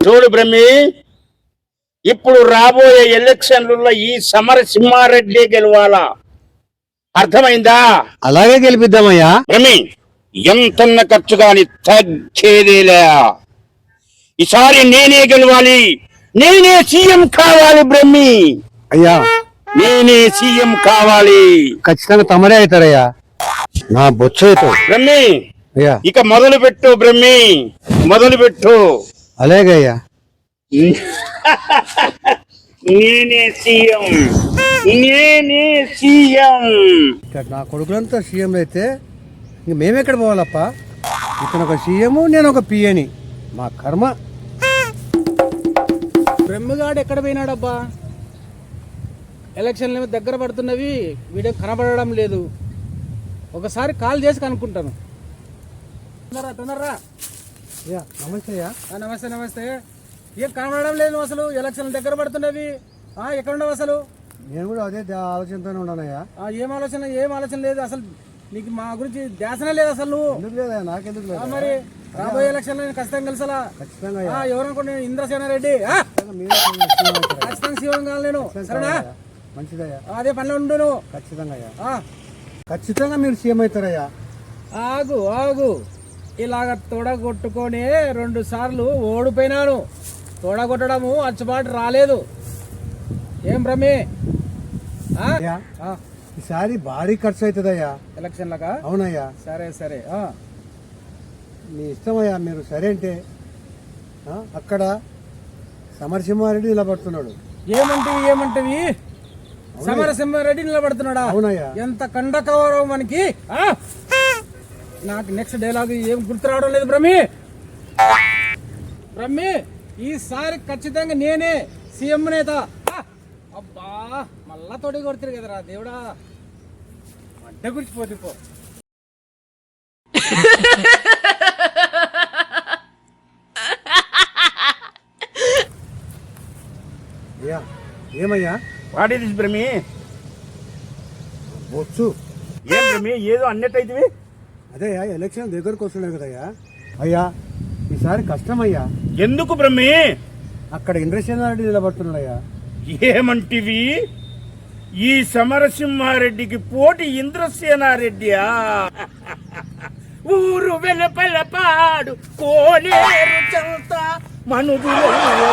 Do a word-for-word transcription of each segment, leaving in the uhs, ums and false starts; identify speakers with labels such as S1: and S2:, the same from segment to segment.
S1: చూడు బ్రహ్మి, ఇప్పుడు రాబోయే ఎలక్షన్లలో ఈ సమరసింహారెడ్డి గెలవాలా, అర్థమైందా?
S2: అలాగే గెలిపిద్దామయ్యా.
S1: బ్రహ్మి, ఎంతన్న ఖర్చు కాని తగ్గేదేలే. ఈసారి నేనే గెలవాలి, నేనే సీఎం కావాలి బ్రహ్మి.
S2: అయ్యా
S1: నేనే సీఎం కావాలి.
S2: ఖచ్చితంగా తమరే అవుతారయ్యా, నా బొచ్చు అవుతావు
S1: బ్రహ్మి.
S2: అయ్యా
S1: ఇక మొదలు పెట్టు బ్రహ్మి, మొదలు పెట్టు.
S2: అలాగే అయ్యా.
S1: నేనే సీఎం, నేనే సీఎం.
S2: ఇక్కడ నా కొడుకులంతా సీఎం అయితే ఇంక మేమెక్కడ పోవాలప్ప? ఇతను ఒక సీఎం, నేను ఒక పిఏని. మా కర్మ.
S3: బ్రహ్మగాడు ఎక్కడ పోయినాడబ్బా? ఎలక్షన్లు ఏమో దగ్గర పడుతున్నవి, వీడియో కనబడడం లేదు. ఒకసారి కాల్ చేసి కనుక్కుంటాను. తొందరరా తొందరరా.
S2: అయ్యా నమస్తే అయ్యా.
S3: నమస్తే నమస్తే. ఏం కనబడడం లేదు అసలు, ఎలక్షన్లు దగ్గర పడుతున్నవి. ఎక్కడ ఉండవు అసలు?
S2: నేను కూడా అదే ఆలోచనతోనే ఉన్నానయ్యా.
S3: ఏం ఆలోచన? ఏం ఆలోచన లేదు అసలు. నీకు మా గురించి ధ్యాసనే లేదు అసలు. నువ్వు
S2: ఎందుకు లేదా? నాకెందుకు లేదు?
S3: మరి రాబోయే ఎలక్షన్ లో ఖచ్చితంగా కలిసలా.
S2: ఖచ్చితంగా
S3: ఎవరనుకో నేను ఇంద్రసేన రెడ్డి ఖచ్చితంగా సీఎం కావాలి నేను. సరేనా?
S2: మంచిదయ్యా,
S3: అదే పనిలో ఉండు.
S2: ఖచ్చితంగా అయ్యా, ఖచ్చితంగా మీరు సీఎం అవుతారయ్యా.
S3: ఆగు ఆగు, ఇలాగ తొడగొట్టుకొని రెండు సార్లు ఓడిపోయినాను. తొడగొట్టడము అచ్చుబాటు రాలేదు. ఏం బ్రహ్మి?
S2: ఈసారి భారీ ఖర్చు అవుతుందయ్యా
S3: ఎలక్షన్లకా?
S2: అవునయ్యా.
S3: సరే సరే,
S2: మీ ఇష్టమయ్యా. మీరు సరే అంటే అక్కడ సమరసింహారెడ్డి నిలబడుతున్నాడు.
S3: ఏమంటివి ఏమంటివి? సమరసింహారెడ్డి నిలబడుతున్నాడా?
S2: అవునయ్యా.
S3: ఎంత కండకవరం మనకి. నాకు నెక్స్ట్ డైలాగ్ ఏం గుర్తు రావడం లేదు బ్రహ్మి. బ్రహ్మి, ఈసారి ఖచ్చితంగా నేనే సీఎం నేత. అబ్బా, మళ్ళా తోడి కొడుతుంది కదరా దేవుడా. అడ్డ గురిచిపోతుంది పో.
S2: ఏమయ్యా?
S1: What is Brahmi?
S2: బొచ్చు.
S1: ఏం బ్రహ్మి, ఏదో అన్నట్టయితే?
S2: అదే ఎలక్షన్ దగ్గరకు వస్తున్నాయి కదయ్యా. అయ్యా ఈసారి కష్టమయ్యా.
S1: ఎందుకు బ్రహ్మి?
S2: అక్కడ ఇంద్రసేనారెడ్డి నిలబడుతున్నాడయ్యా.
S1: ఏమంటివి? ఈ సమరసింహారెడ్డికి పోటీ ఇంద్రసేనారెడ్డియా? ఊరు వెలుపల పాడు కోనేరు చంత మనుదుల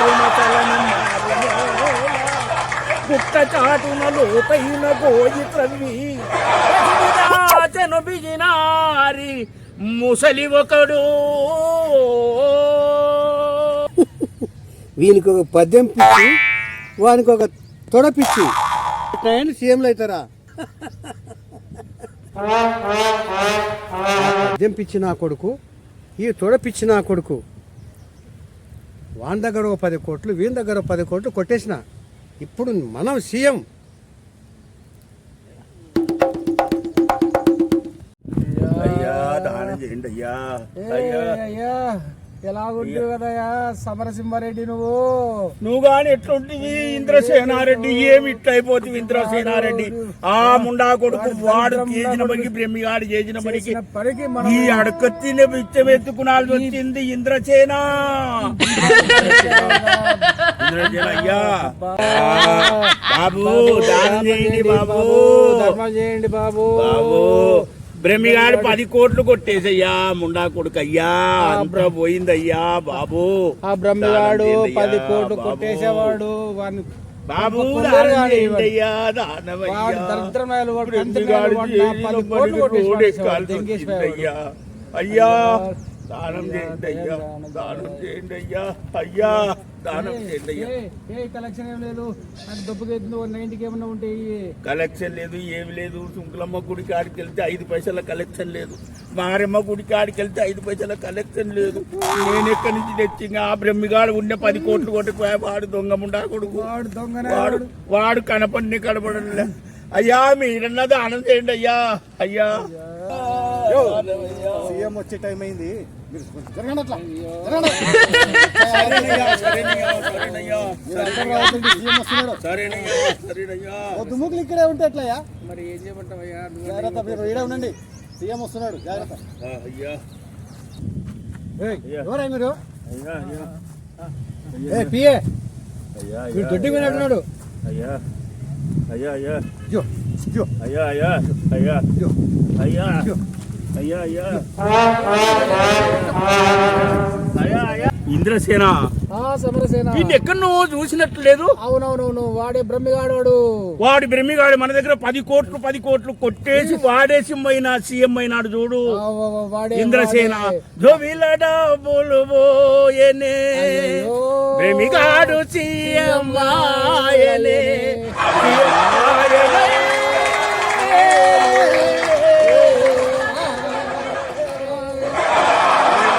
S1: పుట్ట చాటున లోతైన గోయి త్రవ్వి బిజినారి ముసలి ఒకడు.
S2: వీనికి ఒక పద్యం పిచ్చి, వానికి ఒక తొడ పిచ్చి. సీఎంలు అవుతారా? పద్యం పిచ్చి నా కొడుకు, ఈ తొడ పిచ్చి నా కొడుకు. వాని దగ్గర ఒక పది కోట్లు, వీని దగ్గర ఒక పది కోట్లు కొట్టేసిన. ఇప్పుడు మనం సీఎం.
S3: ఎలాగుంటావు కదయా సమరసింహారెడ్డి నువ్వు?
S1: నువ్వు గాని ఎట్లుంటివి ఇంద్రసేనారెడ్డి? ఏమి ఇట్లయిపోతుంది ఇంద్రసేనారెడ్డి? ఆ ముండా కొడుకు వాడు చేసిన పనికి, బ్రహ్మిగాడు చేసిన పనికి ఈ అడకత్తిన బిచ్చమెత్తుకునాల్సి వచ్చింది ఇంద్రసేన. ఇంద్రసేన అయ్యా, బాబు దానం చేయండి బాబు,
S3: ధర్మం చేయండి బాబు.
S1: బాబు బ్రహ్మిగాడు పది కోట్లు కొట్టేసయ్యా, ముండా కొడుకు అయ్యా, అంతా పోయిందయ్యా బాబు.
S3: ఆ బ్రహ్మిగాడు పది కోట్లు కొట్టేసేవాడు.
S1: బాబు అయ్యా దానం చేయండి అయ్యా, దానం చేయండి అయ్యా, అయ్యా దానం చేయండి అయ్యా.
S3: కలెక్షన్ ఏం లేదు, డబ్బుకి నైన్టీకి ఏమన్నా ఉంటాయి.
S1: కలెక్షన్ లేదు, ఏమి లేదు. శుంకులమ్మ గుడి కాడికి వెళ్తే ఐదు పైసల కలెక్షన్ లేదు, మారమ్మ గుడి కాడికి వెళ్తే ఐదు పైసల కలెక్షన్ లేదు. నేను ఎక్కడి నుంచి తెచ్చింది? ఆ బ్రహ్మిగాడు ఉన్న పది కోట్లు కొట్టుకుపోయా. వాడు దొంగ ముండా కొడుకు,
S3: వాడు దొంగ,
S1: వాడు వాడు కనపడిని కనపడలే. అయ్యా మీరన్నా దానం చేయండి అయ్యా, అయ్యా.
S2: సీఎం వచ్చే టైం అయింది. దుమ్ముకులు ఇక్కడే ఉంటే ఎట్లయ్యా?
S3: మరి ఏం చేయమంటావయ్యా?
S2: జాగ్రత్త, మీరు ఇడే ఉండండి. సీఎం వస్తున్నాడు, జాగ్రత్త. ఎవరై మీరు? ఏ పిఏ
S1: అయ్యా
S2: వీడు దొడ్డి వినట్టున్నాడు.
S1: అయ్యా అయ్యా అయ్యా
S2: జో జో
S1: అయ్యా అయ్యా అయ్యా
S2: జో
S1: అయ్యా
S2: జో
S1: అయ్యా అయ్యా అయ్యా అయ్యా ఇంద్రసేన
S3: ఆ సమరసేన
S1: వీడిని ఎక్కడో చూసినట్లు లేదు.
S3: అవునవునవును వాడే బ్రహ్మిగాడు వాడు.
S1: వాడు బ్రహ్మిగాడు మన దగ్గర పది కోట్లు పది కోట్లు కొట్టేసి వాడేసి పోయిన సీఎం అయినాడు చూడు
S3: ఆ, వా, వా, వాడే
S1: ఇంద్రసేన.
S3: వాడే.
S1: జోవిల డబ్బులు పోయెనే
S3: అయ్యో.
S1: బ్రహ్మిగాడు సీఎం ఆయనే సీఎం ఆయనే.